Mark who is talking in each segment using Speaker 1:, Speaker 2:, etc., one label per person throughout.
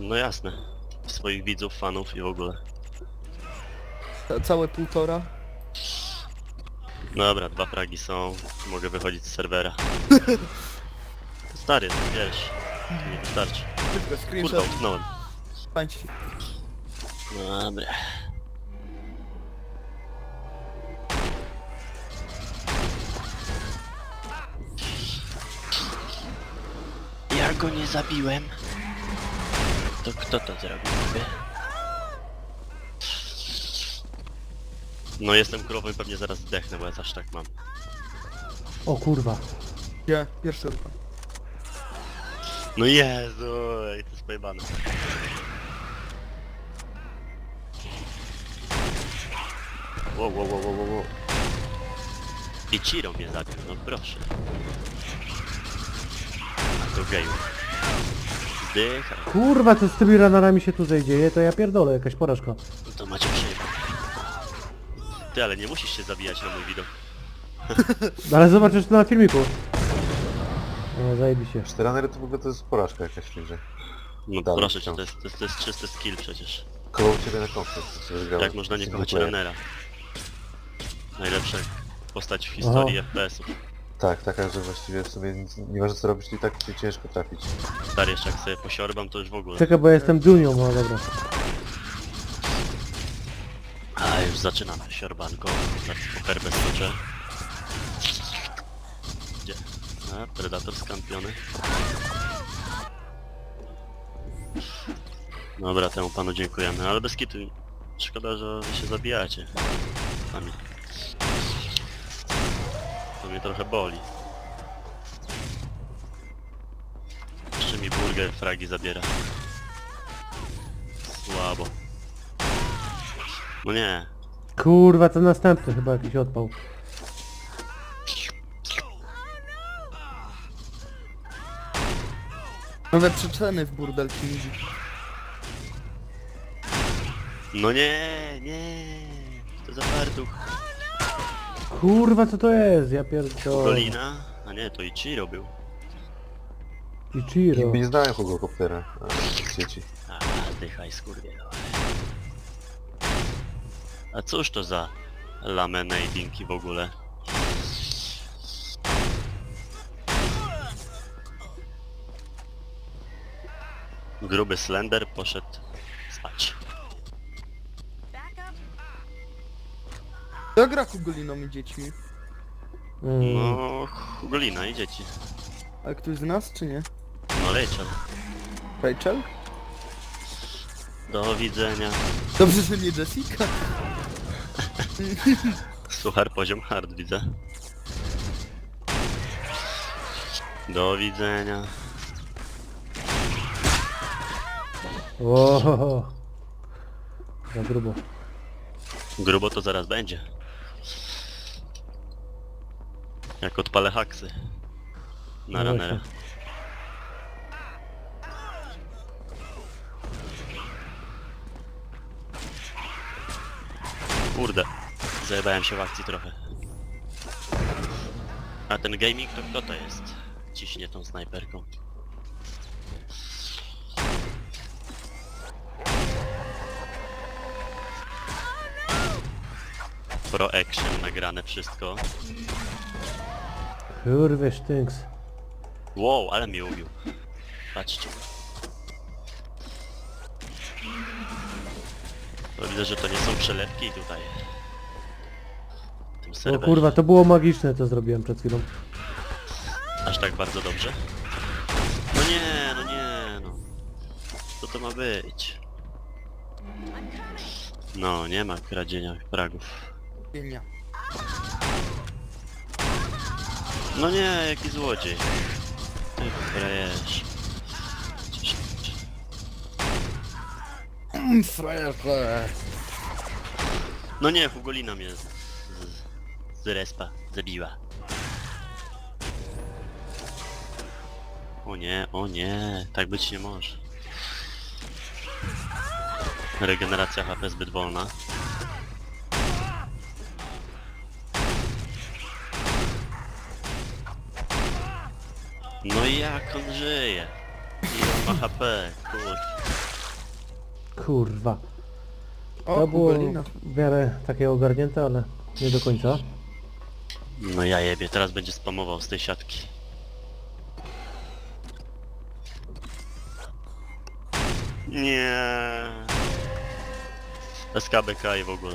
Speaker 1: No jasne. Swoich widzów, fanów i w ogóle.
Speaker 2: Całe 1,5.
Speaker 1: Dobra, 2 fragi są. Mogę wychodzić z serwera. Stary, to wiesz. Nie wystarczy.
Speaker 2: Szybko,
Speaker 1: Kurwa,
Speaker 2: screenshot.
Speaker 1: utknąłem.
Speaker 2: Pańcie.
Speaker 1: Dobra. Ja go nie zabiłem. To kto to zrobił? No jestem królową i pewnie zaraz zdechnę, bo ja aż tak mam.
Speaker 3: O kurwa.
Speaker 2: Gdzie? Pierwszy ruch.
Speaker 1: No Jezu, i to jest pojebane. Wow. I Ciro mnie zabił, no proszę. A to geju. Zdychaj.
Speaker 3: Kurwa, co z tymi ranarami się tutaj dzieje, to ja pierdolę, jakaś porażka.
Speaker 1: No to macie przejebane. Ty, ale nie musisz się zabijać na mój widok.
Speaker 3: Ale zobaczysz to na filmiku. No, zajebiście.
Speaker 4: 4 ranery to w ogóle to jest porażka jakaś w tej grze.
Speaker 1: No
Speaker 4: Dalej
Speaker 1: proszę cię,
Speaker 4: wciąż.
Speaker 1: to jest czysty skill przecież.
Speaker 4: Koło ciebie na konflikt, co wygrałeś.
Speaker 1: Jak można nie
Speaker 4: Single
Speaker 1: kochać
Speaker 4: player.
Speaker 1: runnera? Najlepsza postać w historii FPS-ów.
Speaker 4: Tak, taka, że właściwie w sumie nic, nieważne co robisz, to i tak cię ciężko trafić.
Speaker 1: Stary, jeszcze jak sobie posiorbam, to już w ogóle.
Speaker 3: Czekaj, bo ja jestem Junią, no dobra.
Speaker 1: A już zaczynamy siorbanko. Zaraz po herbę skoczę. Gdzie? A, Predator skampiony. Dobra, temu panu dziękujemy, ale bez kitu. Szkoda, że wy się zabijacie. Sami. To mnie trochę boli. Jeszcze mi burger fragi zabiera. Słabo. No nie.
Speaker 3: Kurwa, to następny chyba jakiś odpał.
Speaker 2: Nowe przyczeny w Burdel Kingi.
Speaker 1: No nie. To za fartuch.
Speaker 3: Kurwa, co to jest? Ja pierdolę.
Speaker 1: Golina? A nie, to Ichiro był.
Speaker 3: Ichiro.
Speaker 4: Nie znają kogo koptera w sieci.
Speaker 1: A, zdychaj skurwie. A cóż to za laminatingi w ogóle? Gruby Slender poszedł spać.
Speaker 2: To gra Kugoliną i dziećmi.
Speaker 1: No, Golina i dzieci.
Speaker 2: A ktoś z nas, czy nie?
Speaker 1: No leciał.
Speaker 2: Rachel?
Speaker 1: Do widzenia.
Speaker 2: Dobrze, że nie Jessica.
Speaker 1: Suchar poziom hard widzę. Do widzenia.
Speaker 3: O, za grubo.
Speaker 1: Grubo to zaraz będzie. Jak odpalę haksy. Na
Speaker 3: No
Speaker 1: runnera.
Speaker 3: właśnie.
Speaker 1: Kurde. Zajebałem się w akcji trochę. A ten gaming to kto to jest? Ciśnie tą snajperką. Pro action nagrane wszystko.
Speaker 3: Kurwa, sztynks.
Speaker 1: Wow, ale mnie ubił. Patrzcie. To widzę, że to nie są przelewki tutaj. W tym
Speaker 3: O
Speaker 1: serwerze.
Speaker 3: kurwa, to było magiczne, co zrobiłem przed chwilą.
Speaker 1: Aż tak bardzo dobrze? No nie, no. Co to ma być? No, nie ma kradzienia fragów.
Speaker 2: Pienia.
Speaker 1: No nie, jaki złodziej. Ty frajesz.
Speaker 2: Frajerze.
Speaker 1: No nie, Hugolina mnie z respa zabiła. O nie, tak być nie może. Regeneracja HP zbyt wolna. No i jak on żyje? Ile on ma HP, kurde.
Speaker 3: Kurwa.
Speaker 2: O,
Speaker 3: To było
Speaker 2: Ugolina.
Speaker 3: w miarę takie ogarnięte, ale nie do końca.
Speaker 1: No ja jebie, teraz będzie spamował z tej siatki. Nie. SKBK i w ogóle.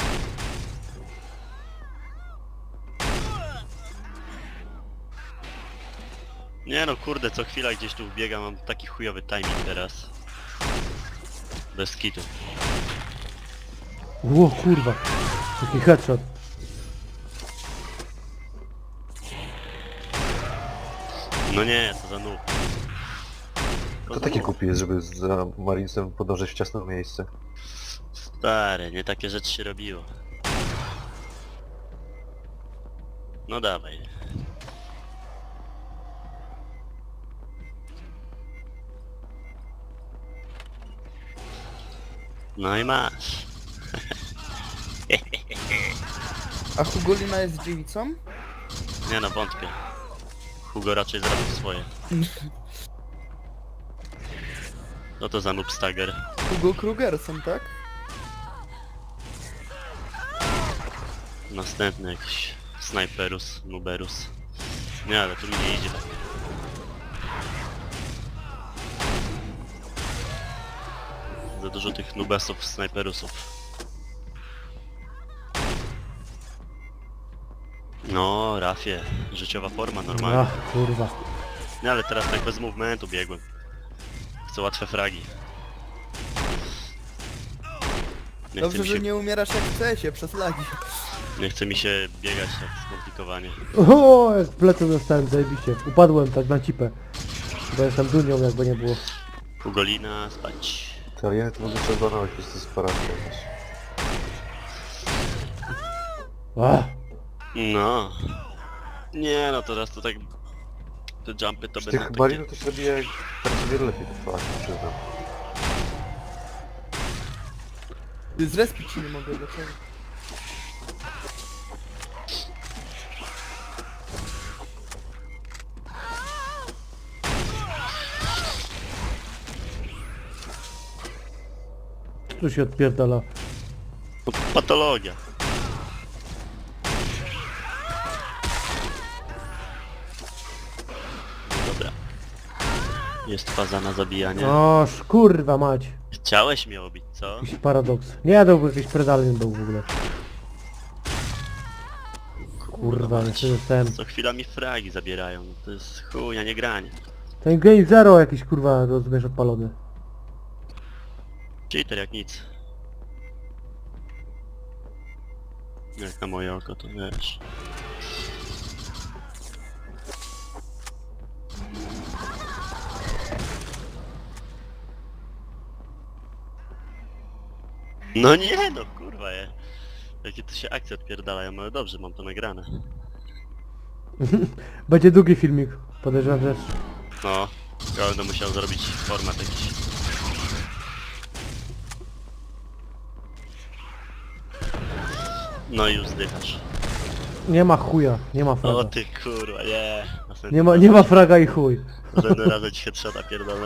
Speaker 1: Nie no kurde, co chwila gdzieś tu wbiega, mam taki chujowy timing teraz. Bez kitu.
Speaker 3: Ło kurwa. Taki headshot.
Speaker 1: No nie, co za noob.
Speaker 4: To taki głupi jest, żeby za Marinesem podążać w ciasne miejsce.
Speaker 1: Stary, nie takie rzeczy się robiło. No dawaj. No i masz.
Speaker 2: A Hugolina jest dziewicą?
Speaker 1: Nie no, wątpię. Hugo raczej zrobił swoje. No to za noob stagger.
Speaker 2: Hugo Krugerson, tak?
Speaker 1: Następny jakiś snajperus, nuberus. Nie, ale tu mi nie idzie tak. Za dużo tych nubesów, snajperusów. No, Rafie, życiowa forma normalnie.
Speaker 3: Ach kurwa.
Speaker 1: Nie, ale teraz tak bez movementu biegłem. Chcę łatwe fragi. Nie chce,
Speaker 2: Dobrze,
Speaker 1: mi się,
Speaker 2: że nie umierasz jak w CS-ie przez lagi.
Speaker 1: nie chce mi się biegać tak skomplikowanie.
Speaker 3: O, jak w plecy dostałem, zajebiście. Upadłem tak na cipę. Bo jestem dunią, jakby nie było.
Speaker 1: Ugolina, spać.
Speaker 4: Te alieny to mogę przezbanować, to jest porażka jakaś.
Speaker 3: Ach.
Speaker 1: No. Nie no, teraz to tak... Te jumpy to
Speaker 4: Z
Speaker 1: będą
Speaker 4: tych
Speaker 1: takie...
Speaker 4: Marinów to się zabija teraz o wiele lepiej, to fakt, przyznam.
Speaker 2: Zrespić się nie mogę, dlaczego?
Speaker 3: Tu się odpierdala.
Speaker 1: No, patologia. Dobra. Jest faza na zabijanie.
Speaker 3: Oż kurwa mać.
Speaker 1: Chciałeś mnie obić, co?
Speaker 3: Jakiś paradoks. Nie, to był jakiś predalien był w ogóle. Kurwa,
Speaker 1: mać.
Speaker 3: nie dostałem.
Speaker 1: Co chwila mi fragi zabierają. To jest chuj, a nie granie.
Speaker 3: Ten Game Zero jakiś kurwa rozumiesz odpalony.
Speaker 1: Cheater jak nic. Jak na moje oko, to wiesz. No nie no, kurwa je. Jakie to się akcje odpierdalają, ale dobrze, mam to nagrane.
Speaker 3: Będzie długi filmik, podejrzewam też.
Speaker 1: No, ja będę musiał zrobić format jakiś. No i już zdychasz.
Speaker 3: Nie ma chuja, nie ma
Speaker 1: O
Speaker 3: fraga.
Speaker 1: ty kurwa, nie.
Speaker 3: Nie ma fraga i chuj.
Speaker 1: Następnym razem ci headshota pierdolę.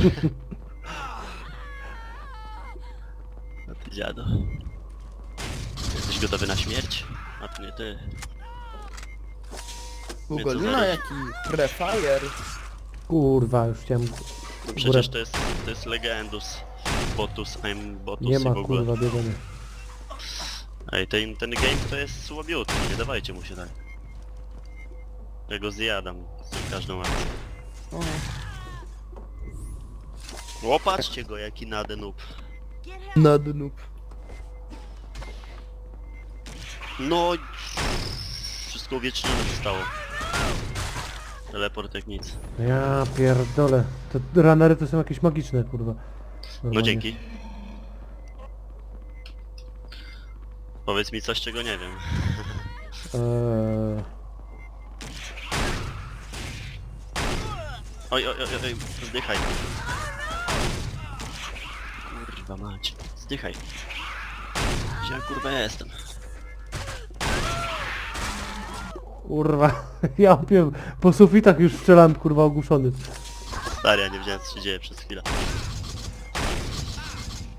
Speaker 1: No ty dziado. Jesteś gotowy na śmierć? A to nie ty.
Speaker 2: Hugolina
Speaker 1: zaraz-
Speaker 2: jaki prefire.
Speaker 3: Kurwa, już chciałem...
Speaker 1: No przecież to jest legendus. Botus, I'm Botus
Speaker 3: Nie
Speaker 1: i
Speaker 3: ma
Speaker 1: w ogóle.
Speaker 3: kurwa biegania.
Speaker 1: Ej, ten game to jest słabiutki, nie dawajcie mu się tak. Ja go zjadam z każdą akcją.
Speaker 2: O,
Speaker 1: Łopatrzcie go jaki nadenub.
Speaker 2: na dnu.
Speaker 1: No... Wszystko uwiecznione zostało. Teleport jak nic.
Speaker 3: Ja pierdolę. Te runnery to są jakieś magiczne kurwa.
Speaker 1: No
Speaker 3: Normalnie.
Speaker 1: dzięki. Powiedz mi coś czego nie wiem. Oj, zdychaj. Kurwa mać, zdychaj. Gdzie ja kurwa jestem?
Speaker 3: Kurwa, ja wiem, po sufitach już strzelam kurwa ogłuszony.
Speaker 1: Stary, ja nie wiedziałem co się dzieje przez chwilę.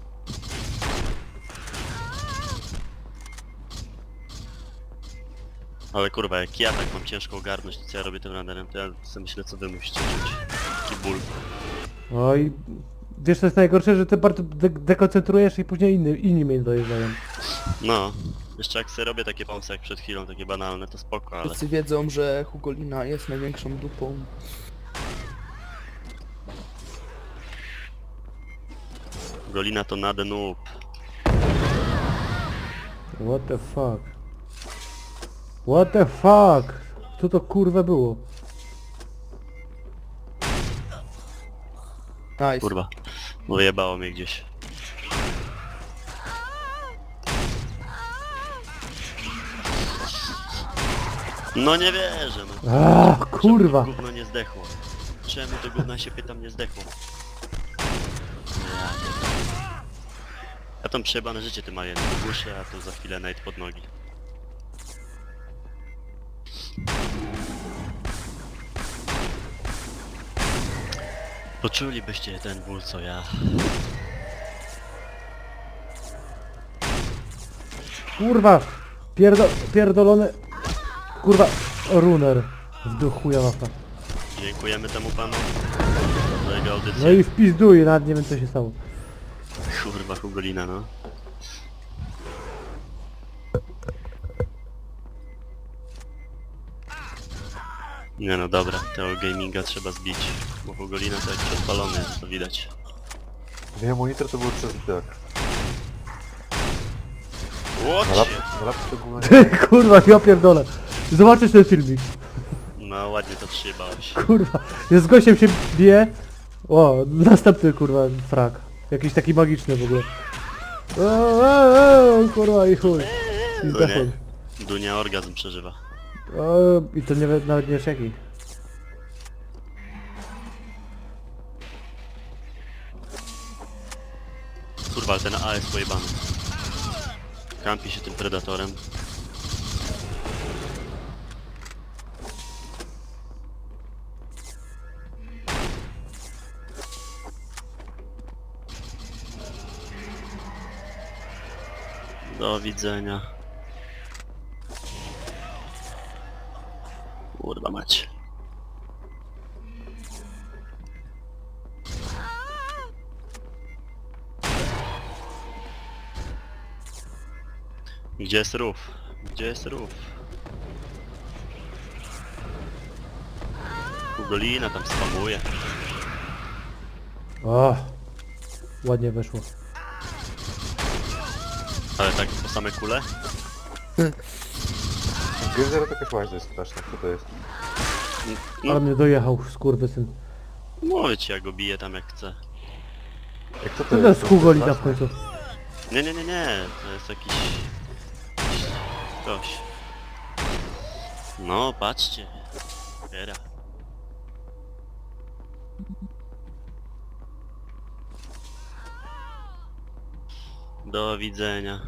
Speaker 1: Ale kurwa, jak ja tak mam ciężko ogarnąć, to co ja robię tym randerem, to ja sobie myślę, co wy musicie czuć. Taki ból.
Speaker 3: Oj, wiesz co jest najgorsze, że ty bardzo dekoncentrujesz i później inni mnie dojeżdżają.
Speaker 1: No. Jeszcze jak sobie robię takie pomsy jak przed chwilą, takie banalne, to spoko, ale...
Speaker 2: Wszyscy wiedzą, że Hugolina jest największą dupą.
Speaker 1: Golina to nade noob.
Speaker 3: What the fuck? What the fuck? Co to kurwa było?
Speaker 2: Nice.
Speaker 1: Kurwa. Wyjebało mnie gdzieś. No nie wierzę, no.
Speaker 3: Kurwa!
Speaker 1: Czemu to gówno nie zdechło? Czemu to gówno się pytam nie zdechło? Ja tam przejebane życie tym alienem ogłuszę, a tu za chwilę night pod nogi. Poczulibyście ten ból co ja.
Speaker 3: Kurwa! Pierdolone... Kurwa! Runer. W duchu chuja mapa.
Speaker 1: Dziękujemy temu panu za jego audycję.
Speaker 3: No i wpizduję, nawet nie wiem co się stało.
Speaker 1: Kurwa Hugolina, no. Nie no dobra, tego gaminga trzeba zbić. Bo Hugolina to jak odpalony jest, to widać.
Speaker 4: Nie, monitor to był przez tak.
Speaker 1: Łocie!
Speaker 4: Na laptop to gówno nie...
Speaker 3: Kurwa, ja pierdolę. Zobaczysz ten filmik.
Speaker 1: No ładnie to przyjebałeś.
Speaker 3: Kurwa. Ja z gościem się bije. O, następny kurwa frag. Jakiś taki magiczny w ogóle. Kurwa i chuj. I
Speaker 1: No
Speaker 3: zdechłem.
Speaker 1: nie? Dunia orgazm przeżywa.
Speaker 3: I to nie, nawet nie wiesz jaki.
Speaker 1: Kurwa, ale ten A jest pojebany. Kampi się tym predatorem. Do widzenia. Kurwa mać. Gdzie jest rów? Gdzie jest rów? Hugolina tam spamuje.
Speaker 3: O, ładnie weszło.
Speaker 1: Ale tak po same kule?
Speaker 4: Gryzera to jakaś łaźna jest straszna, co to jest?
Speaker 3: Ale
Speaker 1: No,
Speaker 3: mnie dojechał, skurwysyn.
Speaker 1: mówię ci, ja go biję tam jak chcę.
Speaker 4: Jak co to
Speaker 3: To jest Hugolina w
Speaker 4: straszne?
Speaker 3: końcu.
Speaker 1: Nie, nie, nie, nie, to jest jakiś... Ktoś. No, patrzcie. Biera. Do widzenia.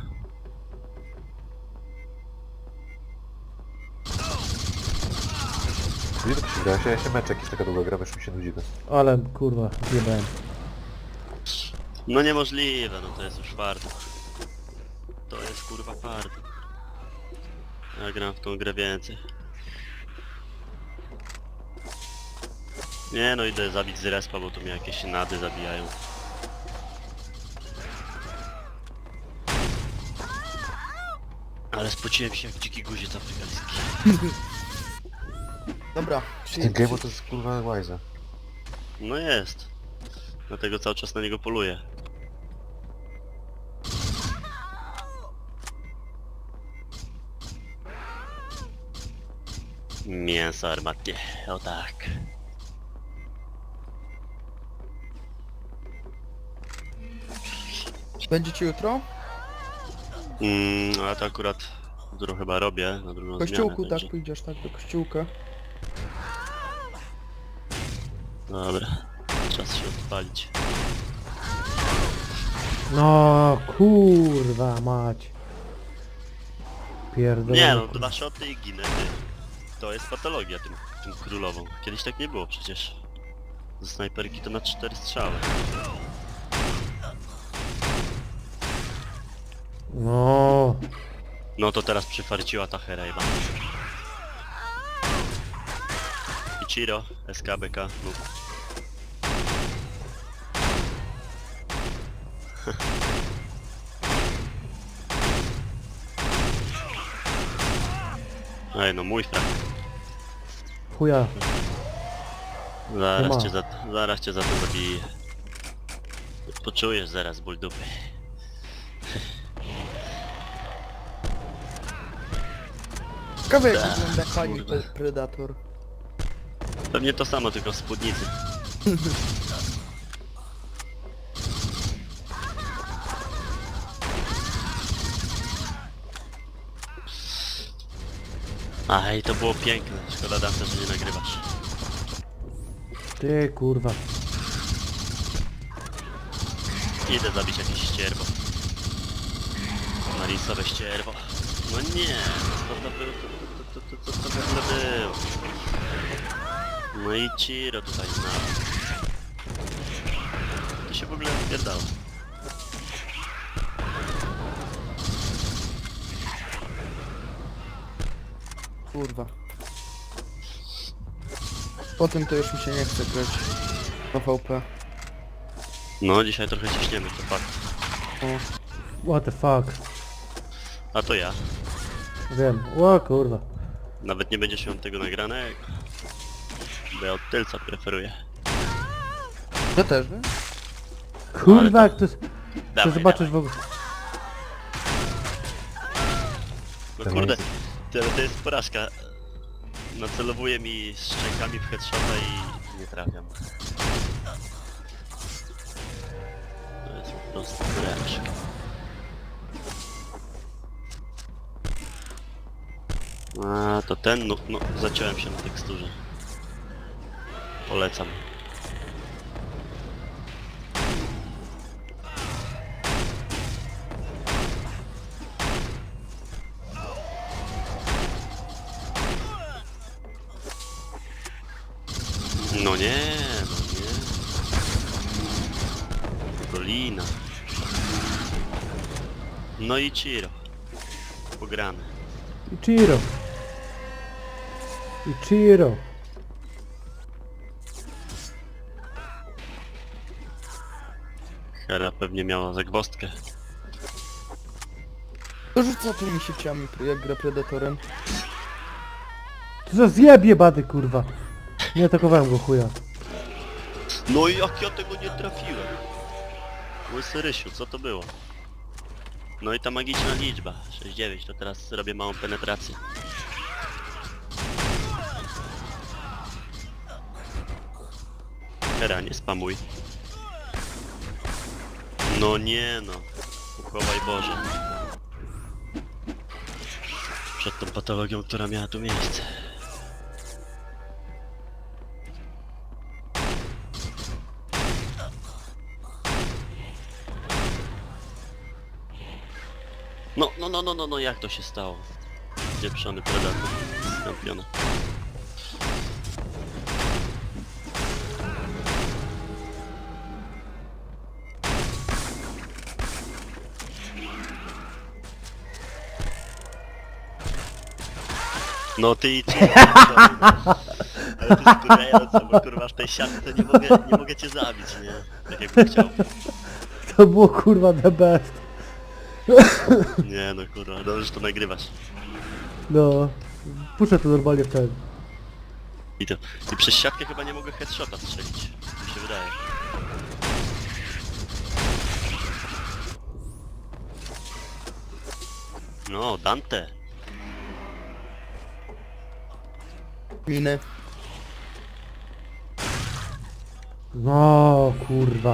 Speaker 4: Gdzie to się gra? Ja się mecz jakiś taka długa gra, już mi się nudzi to.
Speaker 3: Ale kurwa, zjebałem.
Speaker 1: No niemożliwe, no to jest już fartuch. To jest kurwa fartuch. Ja gram w tą grę więcej. Nie no, idę zabić z respa, bo tu mnie jakieś nady zabijają. Ale spociłem się jak dziki guziec afrykański.
Speaker 2: Dobra,
Speaker 4: Ten game to jest kurwa łajza.
Speaker 1: No jest. Dlatego cały czas na niego poluję. Mięso armatnie, o tak.
Speaker 2: Będziecie jutro?
Speaker 1: A to akurat którą chyba robię na drugą
Speaker 2: W kościółku,
Speaker 1: zmianę,
Speaker 2: tak,
Speaker 1: także...
Speaker 2: pójdziesz tak do kościółka.
Speaker 1: Dobra, czas się odpalić.
Speaker 3: No kurwa mać. Pierdolę.
Speaker 1: Nie no, 2 shoty i ginę. To jest patologia tym królową. Kiedyś tak nie było przecież. Ze snajperki to na 4 strzały.
Speaker 3: No.
Speaker 1: No to teraz przyfarciła ta hera jebana. Ichiro, SKBK, mów. Ej, no mój frak.
Speaker 3: Chuja.
Speaker 1: Zaraz
Speaker 3: ma.
Speaker 1: cię zaraz cię za to zabiję. Poczujesz zaraz ból dupy.
Speaker 2: Ciekawe jak
Speaker 1: Tak,
Speaker 2: wygląda pani
Speaker 1: kurde.
Speaker 2: Predator.
Speaker 1: Pewnie to samo, tylko w spódnicy. Aj, to było piękne. Szkoda Dante, że nie nagrywasz.
Speaker 3: Ty kurwa.
Speaker 1: Idę zabić jakieś ścierwo. Marisowe ścierwo. No nie, co to było? Co to w ogóle było? No i Ciro tutaj znalazł. To się w ogóle odpierdało.
Speaker 2: Kurwa. Potem to już mi się nie chce grać na VP.
Speaker 1: No dzisiaj trochę ciśniemy, to fakt.
Speaker 2: O,
Speaker 3: What the fuck.
Speaker 1: A to ja.
Speaker 3: Wiem. O kurwa.
Speaker 1: Nawet nie będziesz miał tego nagranego. Bo ja od tylca preferuję.
Speaker 2: ja też, nie?
Speaker 3: Kurwa, jak to jest... Chcę
Speaker 1: Dawaj,
Speaker 3: zobaczyć
Speaker 1: dawaj.
Speaker 3: w ogóle...
Speaker 1: No kurde, to jest porażka. Nacelowuje mi szczękami w headshota i nie trafiam. To jest po prostu porażka. A to ten, no zaciąłem się na teksturze. Polecam. No nie, no nie. Dolina. No i Ciro. Pogramy.
Speaker 3: Ichiro. Ichiro.
Speaker 1: Hera pewnie miała zagwozdkę.
Speaker 2: To rzuca tymi sieciami, jak gra Predatorem.
Speaker 3: To za zjebie bady kurwa. Nie atakowałem go chuja.
Speaker 1: No i jak ja tego nie trafiłem? Łysy Rysiu, co to było? No i ta magiczna liczba, 6-9, to teraz robię małą penetrację. Hera, nie spamuj. No nie no. Uchowaj Boże. Przed tą patologią, która miała tu miejsce. No, jak to się stało? Dzieprzony Predator z kampiona. No ty i ty. Ale to jest wkurwiające, bo kurwa w tej siatce nie mogę cię zabić, nie? Tak jakbym chciał.
Speaker 3: To było kurwa the best.
Speaker 1: Nie no kurwa, dobrze, że to nagrywasz.
Speaker 3: No. Puszczę to normalnie w ten.
Speaker 1: I przez siatkę chyba nie mogę headshota strzelić. Mi się wydaje. No, Dante.
Speaker 2: Miny.
Speaker 3: No kurwa.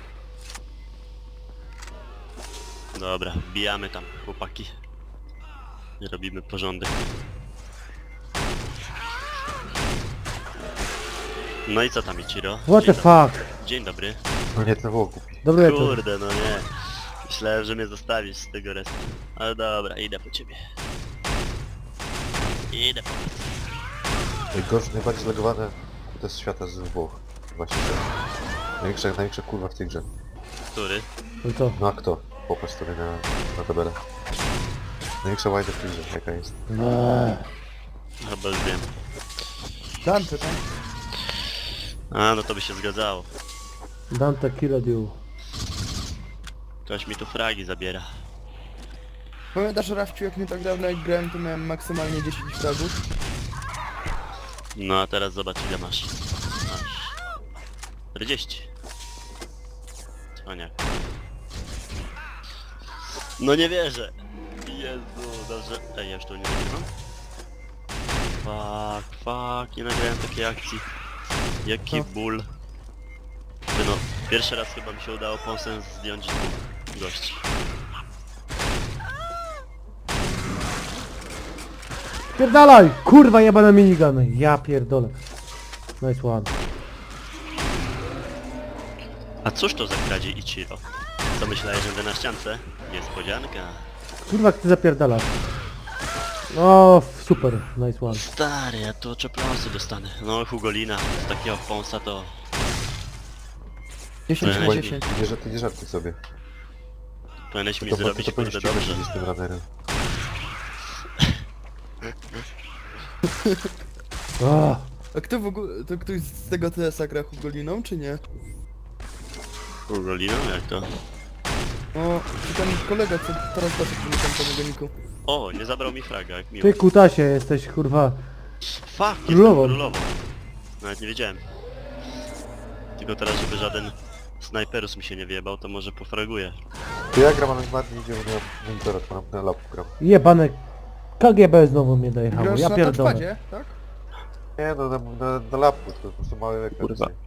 Speaker 1: Dobra, wbijamy tam, chłopaki. Robimy porządek. No i co tam, Ichiro?
Speaker 3: What the
Speaker 1: Dzień dobry.
Speaker 3: fuck.
Speaker 1: Dzień dobry.
Speaker 4: No nie, to było głupi.
Speaker 3: Dobry wieczór.
Speaker 1: Kurde, no nie. Myślałem, że mnie zostawisz z tego restu. Ale dobra, idę po ciebie. Idę po ciebie.
Speaker 4: Najbardziej zlegowane kute z świata z Włoch. Właśnie to. Największa kurwa w tej grze.
Speaker 1: Który?
Speaker 3: No to.
Speaker 4: No a kto? Popatrz sobie na tabelę. Największa łajda w tej grze, jaka jest.
Speaker 3: Nie.
Speaker 1: Chyba już wiem.
Speaker 2: Dante tam.
Speaker 1: A, no to by się zgadzało.
Speaker 3: Dante killed you.
Speaker 1: Ktoś mi tu fragi zabiera.
Speaker 2: Pamiętasz, Rafciu, jak nie tak dawno jak grałem, to miałem maksymalnie 10 fragów.
Speaker 1: No a teraz zobacz ile masz. Masz 40. Cwaniak. No nie wierzę. Jezu, dobrze. Ej, ja już tu nie nagrywam. Fuck, nie nagrałem takiej akcji. Jaki
Speaker 2: Co?
Speaker 1: ból. Ty no, pierwszy raz chyba mi się udało pąsem zdjąć dwóch gości.
Speaker 3: Pierdalaj! Kurwa jebane minigany. Ja pierdolę. Nice one.
Speaker 1: A cóż to za kradzie Ichiro? Co myślałeś, że będę na ściance? Niespodzianka.
Speaker 3: Kurwa jak ty zapierdalasz. O, super. Nice one.
Speaker 1: Stary, ja tu oczopląsy dostanę. No Hugolina, z takiego pąsa to...
Speaker 2: 10 na
Speaker 1: Ej.
Speaker 2: 10.
Speaker 4: Ty nie żartuj sobie.
Speaker 1: Powinieneś mi
Speaker 4: To
Speaker 1: zrobić
Speaker 4: to
Speaker 1: kurde
Speaker 4: powinieneś
Speaker 1: dobrze.
Speaker 4: chodzić z tym radarem.
Speaker 3: O,
Speaker 2: A kto w ogóle, to ktoś z tego TS-a gra Hugoliną, czy nie?
Speaker 1: Hugoliną? Jak to?
Speaker 2: O, czy ten kolega, co teraz doszedł przy tym megoniku.
Speaker 1: O, nie zabrał mi fraga, jak miło.
Speaker 3: ty kutasie jesteś kurwa.
Speaker 1: Fuck,
Speaker 3: Królową.
Speaker 1: jestem królową. Nawet nie wiedziałem. Tylko teraz, żeby żaden snajperus mi się nie wjebał, to może pofraguję.
Speaker 4: To ja gram, ale bardziej idzie, bo nie mam monitora, to na lapku gram.
Speaker 3: Jebane KGB znowu mnie dojechało.
Speaker 2: Grasz
Speaker 3: Ja
Speaker 2: na
Speaker 3: pierdolę.
Speaker 2: touchpadzie, tak?
Speaker 4: Nie, no na lapku, to po prostu mały ekran.
Speaker 1: Kurwa.
Speaker 4: dzisiaj.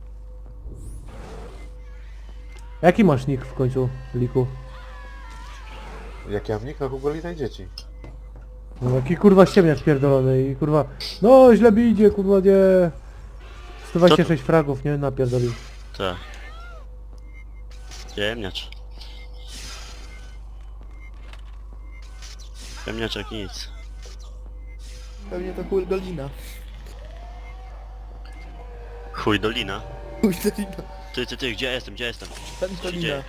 Speaker 3: Jaki masz nick w końcu, Liku?
Speaker 4: Jak ja mam nick na Hugolina i dzieci.
Speaker 3: No jaki kurwa ściemniak pierdolony i kurwa... No źle mi idzie, kurwa nie... 126 fragów, nie? Napierdolił.
Speaker 1: Tak. Ciemniacz. Ciemniaczek nic.
Speaker 2: Pewnie to Hugolina.
Speaker 1: Chuj dolina.
Speaker 2: Hugolina.
Speaker 1: Ty, gdzie ja jestem, gdzie ja jestem?
Speaker 2: Pentolina.
Speaker 1: dzieje?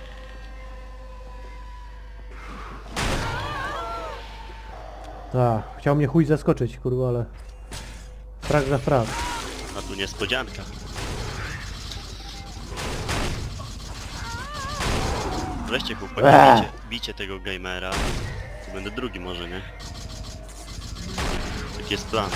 Speaker 3: Tak, chciał mnie chuj zaskoczyć, kurwa, ale... Frag za frag.
Speaker 1: A tu niespodzianka. Weźcie chłopaki, bicie tego gamera. To będę drugi może, nie? Taki jest plan.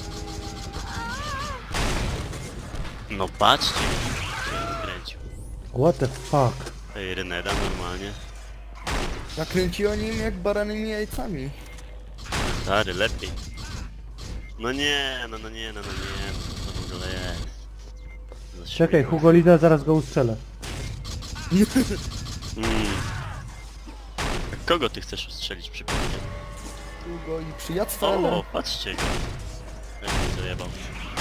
Speaker 1: No patrzcie, się skręcił.
Speaker 3: What the fuck?
Speaker 1: Ej, Reneda normalnie.
Speaker 2: Nakręci o nim jak baranymi jajcami.
Speaker 1: Stary, lepiej. No nie, no nie, co to w ogóle jest? Za
Speaker 3: Czekaj,
Speaker 1: śmiech.
Speaker 3: Hugolina, zaraz go ustrzelę.
Speaker 1: Kogo ty chcesz ustrzelić przypadkiem?
Speaker 2: Hugo i przyjactwa,
Speaker 1: O,
Speaker 2: ale...
Speaker 1: patrzcie go. Jak mnie dojebał.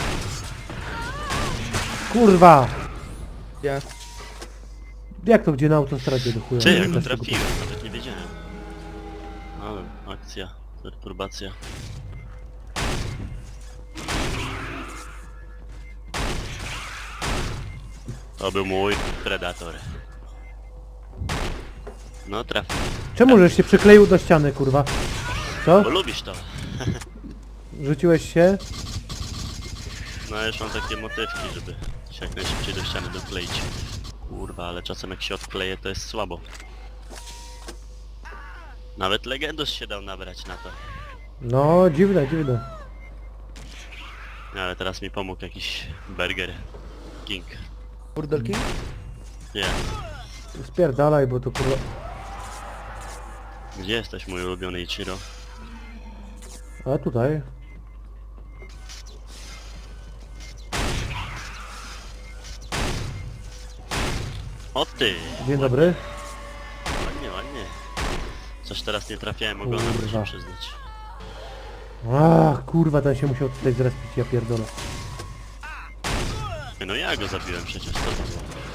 Speaker 3: Kurwa!
Speaker 2: Ja.
Speaker 3: Jak to gdzie na autostradzie do chuja?
Speaker 1: Ty, ja
Speaker 3: Też
Speaker 1: go
Speaker 3: tego-
Speaker 1: trafiłem, nawet nie wiedziałem. Ale akcja, perturbacja. To był mój predator. No trafił.
Speaker 3: Czemu żeś się przykleił do ściany, kurwa? Co?
Speaker 1: Bo lubisz to.
Speaker 3: Rzuciłeś się?
Speaker 1: No już mam takie motywki, żeby się jak najszybciej do ściany dokleić. Kurwa, ale czasem jak się odkleje to jest słabo. Nawet Legendus się dał nabrać na to.
Speaker 3: No, dziwne, dziwne.
Speaker 1: Ale teraz mi pomógł jakiś Burger King.
Speaker 2: Burdel King?
Speaker 1: Nie.
Speaker 3: Spierdalaj, bo to kurwa...
Speaker 1: Gdzie jesteś mój ulubiony Ichiro?
Speaker 3: A tutaj?
Speaker 1: O ty!
Speaker 3: Dzień dobry.
Speaker 1: Ładnie, ładnie. Coś teraz nie trafiałem ogonem, muszę
Speaker 3: Kurwa.
Speaker 1: przyznać.
Speaker 3: Ach, kurwa, ten się musiał tutaj zrespić, ja pierdolę.
Speaker 1: No ja go zabiłem przecież, co to było?